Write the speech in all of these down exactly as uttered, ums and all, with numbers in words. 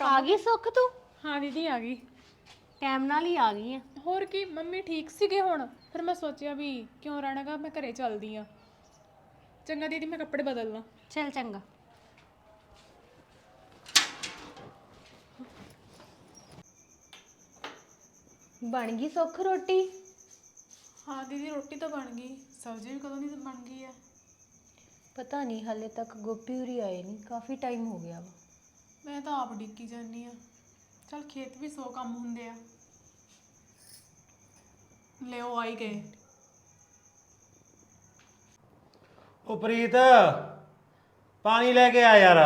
आ गई सुख तू? हाँ दीदी आ गई। टाइम नाल ही आ गई है। ਹੋਰ ਕੀ ਮੰਮੀ ਠੀਕ ਸੀਗੇ ਹੁਣ ਫਿਰ ਮੈਂ ਸੋਚਿਆ ਵੀ ਕਿਉਂ ਰਹਿਣਾਗਾ ਮੈਂ ਘਰੇ ਚੱਲਦੀ ਆ। ਚੰਗਾ ਦੀਦੀ ਮੈਂ ਕੱਪੜੇ ਬਦਲ ਲਾਂ। चल चंगा। बन गई सुख रोटी? हाँ दीदी रोटी तो बन गई, सब्जी भी कदों की बन गई है। पता नहीं हाले तक गोपी उरी आए नहीं, काफ़ी टाइम हो गया वा। मैं तो आप डिक्की जानी आ। चल खेत भी सौ काम होंगे आ। ले ओ आई गए। ਉਹ ਪ੍ਰੀਤ ਪਾਣੀ ਲੈ ਕੇ ਆ ਯਾਰ।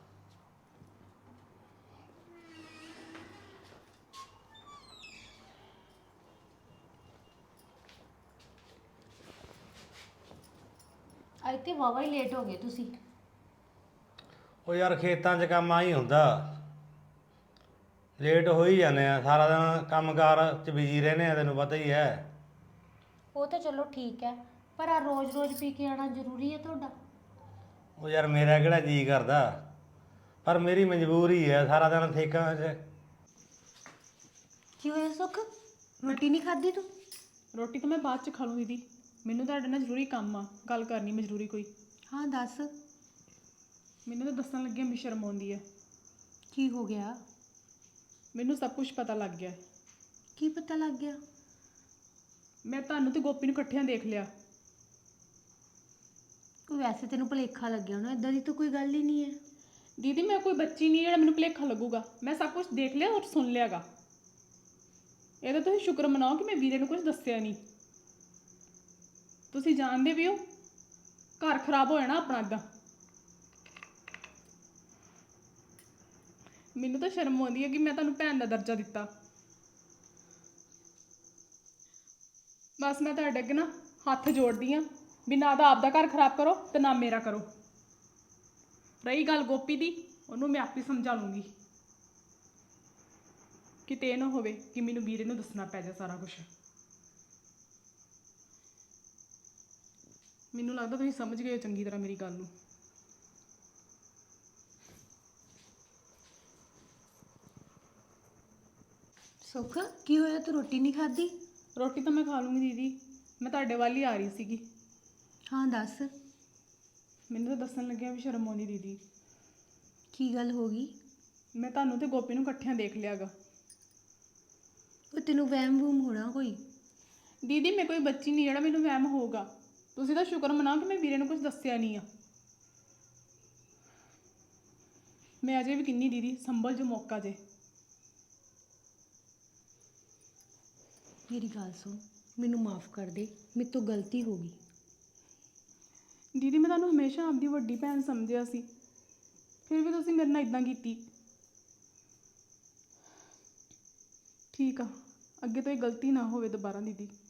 ਅੱਜ ਤੇ ਵਾਵਾ ਹੀ ਲੇਟ ਹੋ ਗਏ ਤੁਸੀਂ। ਉਹ ਯਾਰ ਖੇਤਾਂ 'ਚ ਕੰਮ ਆ ਹੀ ਹੁੰਦਾ, ਲੇਟ ਹੋ ਹੀ ਜਾਂਦੇ ਆ। ਸਾਰਾ ਦਿਨ ਕੰਮਕਾਰ 'ਚ ਬਿਜੀ ਰਹਿੰਦੇ ਆ, ਤੈਨੂੰ ਪਤਾ ਹੀ ਹੈ। ਉਹ ਤਾਂ ਚਲੋ ਠੀਕ ਹੈ, ਪਰ ਆ ਰੋਜ਼ ਰੋਜ਼ ਪੀ ਕੇ ਆਣਾ ਜ਼ਰੂਰੀ ਹੈ ਤੁਹਾਡਾ? ਉਹ ਯਾਰ ਮੇਰਾ ਕਿਹੜਾ ਜੀ ਕਰਦਾ, ਪਰ ਮੇਰੀ ਮਜਬੂਰੀ ਹੈ। ਸਾਰਾ ਦਿਨ ਠੇਕਾਂ 'ਚ। ਕੀ ਹੋਇਆ ਸੁਖ, ਰੋਟੀ ਨਹੀਂ ਖਾਧੀ ਤੂੰ? ਰੋਟੀ ਤਾਂ ਮੈਂ ਬਾਅਦ ਚ ਖਾ ਲੂੰ ਦੀਦੀ, ਮੈਨੂੰ ਤੁਹਾਡੇ ਨਾਲ ਜ਼ਰੂਰੀ ਕੰਮ ਆ, ਗੱਲ ਕਰਨੀ ਮੈਂ ਜ਼ਰੂਰੀ ਕੋਈ। ਹਾਂ ਦੱਸ। ਮੈਨੂੰ ਤਾਂ ਦੱਸਣ ਲੱਗਿਆ ਵੀ ਸ਼ਰਮ ਆਉਂਦੀ ਹੈ। ਕੀ ਹੋ ਗਿਆ? ਮੈਨੂੰ ਸਭ ਕੁਝ ਪਤਾ ਲੱਗ ਗਿਆ। ਕੀ ਪਤਾ ਲੱਗ ਗਿਆ? ਮੈਂ ਤੁਹਾਨੂੰ ਤੇ ਗੋਪੀ ਨੂੰ ਇਕੱਠਿਆਂ ਦੇਖ ਲਿਆ। ਕੋਈ ਵੈਸੇ ਤੈਨੂੰ ਭੁਲੇਖਾ ਲੱਗਿਆ ਹੋਣਾ, ਇਦਾਂ ਦੀ ਤਾਂ ਕੋਈ ਗੱਲ ਹੀ ਨਹੀਂ ਹੈ। ਦੀਦੀ ਮੈਂ ਕੋਈ ਬੱਚੀ ਨਹੀਂ ਜਿਹੜਾ ਮੈਨੂੰ ਭੁਲੇਖਾ ਲੱਗੂਗਾ। ਮੈਂ ਸਭ ਕੁਝ ਦੇਖ ਲਿਆ ਔਰ ਸੁਣ ਲਿਆਗਾ। ਇਹਦਾ ਤੁਸੀਂ ਸ਼ੁਕਰ ਮਨਾਓ ਕਿ ਮੈਂ ਵੀਰੇ ਨੂੰ ਕੁਝ ਦੱਸਿਆ ਨਹੀਂ। ਤੁਸੀਂ ਜਾਣਦੇ ਵੀ ਹੋ ਘਰ ਖਰਾਬ ਹੋ ਜਾਣਾ ਆਪਣਾ ਇੱਦਾਂ। ਮੈਨੂੰ ਤਾਂ ਸ਼ਰਮ ਆਉਂਦੀ ਹੈ ਕਿ ਮੈਂ ਤੁਹਾਨੂੰ ਭੈਣ ਦਾ ਦਰਜਾ ਦਿੱਤਾ। ਬਸ ਮੈਂ ਤੁਹਾਡੇ ਅੱਗੇ ਨਾ ਹੱਥ ਜੋੜਦੀ ਹਾਂ ਵੀ ਨਾ ਤਾਂ ਆਪਦਾ ਘਰ ਖਰਾਬ ਕਰੋ ਤੇ ਨਾ ਮੇਰਾ ਕਰੋ। ਰਹੀ ਗੱਲ ਗੋਪੀ ਦੀ, ਉਹਨੂੰ ਮੈਂ ਆਪੇ ਸਮਝਾ ਲੂੰਗੀ। ਕਿਤੇ ਇਹ ਨਾ ਹੋਵੇ ਕਿ ਮੈਨੂੰ ਵੀਰੇ ਨੂੰ ਦੱਸਣਾ ਪੈ ਜਾ ਸਾਰਾ ਕੁਝ। ਮੈਨੂੰ ਲੱਗਦਾ ਤੁਸੀਂ ਸਮਝ ਗਏ ਹੋ ਚੰਗੀ ਤਰ੍ਹਾਂ ਮੇਰੀ ਗੱਲ ਨੂੰ। ਸੁਖ ਕੀ ਹੋਇਆ, ਤੂੰ ਰੋਟੀ ਨਹੀਂ ਖਾਧੀ? ਰੋਟੀ ਤਾਂ ਮੈਂ ਖਾ ਲੂੰਗੀ ਦੀਦੀ, ਮੈਂ ਤੁਹਾਡੇ ਵੱਲ ਹੀ ਆ ਰਹੀ ਸੀਗੀ। ਹਾਂ ਦੱਸ। ਮੈਨੂੰ ਤਾਂ ਦੱਸਣ ਲੱਗਿਆ ਵੀ ਸ਼ਰਮ ਆਉਂਦੀ ਦੀਦੀ। ਕੀ ਗੱਲ ਹੋ ਗਈ? ਮੈਂ ਤੁਹਾਨੂੰ ਤੇ ਗੋਪੀ ਨੂੰ ਇਕੱਠਿਆਂ ਦੇਖ ਲਿਆਗਾ। ਉਹ ਤੈਨੂੰ ਵਹਿਮ ਵੂਮ ਹੋਣਾ ਕੋਈ। ਦੀਦੀ ਮੈਂ ਕੋਈ ਬੱਚੀ ਨਹੀਂ ਜਿਹੜਾ ਮੈਨੂੰ ਵਹਿਮ ਹੋਊਗਾ। ਤੁਸੀਂ ਤਾਂ ਸ਼ੁਕਰ ਮਨਾਓ ਕਿ ਮੈਂ ਵੀਰੇ ਨੂੰ ਕੁਝ ਦੱਸਿਆ ਨਹੀਂ ਆ। ਮੈਂ ਅਜੇ ਵੀ ਕਿੰਨੀ ਦੀਦੀ ਸੰਭਲ ਜੋ ਮੌਕਾ ਜੇ। ਮੇਰੀ ਗੱਲ ਸੁਣ, ਮੈਨੂੰ ਮਾफ़ ਕਰ ਦੇ, ਮੇਰੇ ਤੋਂ ਗਲਤੀ ਹੋ ਗਈ। ਦੀਦੀ ਮੈਂ ਤੁਹਾਨੂੰ ਹਮੇਸ਼ਾ ਆਪਦੀ ਵੱਡੀ ਭੈਣ ਸਮਝਿਆ ਸੀ, ਫਿਰ ਵੀ ਤੁਸੀਂ ਮੇਰੇ ਨਾਲ ਇਦਾਂ ਕੀਤੀ। ਠੀਕ ਆ, ਅੱਗੇ ਤੋਂ ਇਹ ਗਲਤੀ ਨਾ ਹੋਵੇ ਦੁਬਾਰਾ ਦੀਦੀ।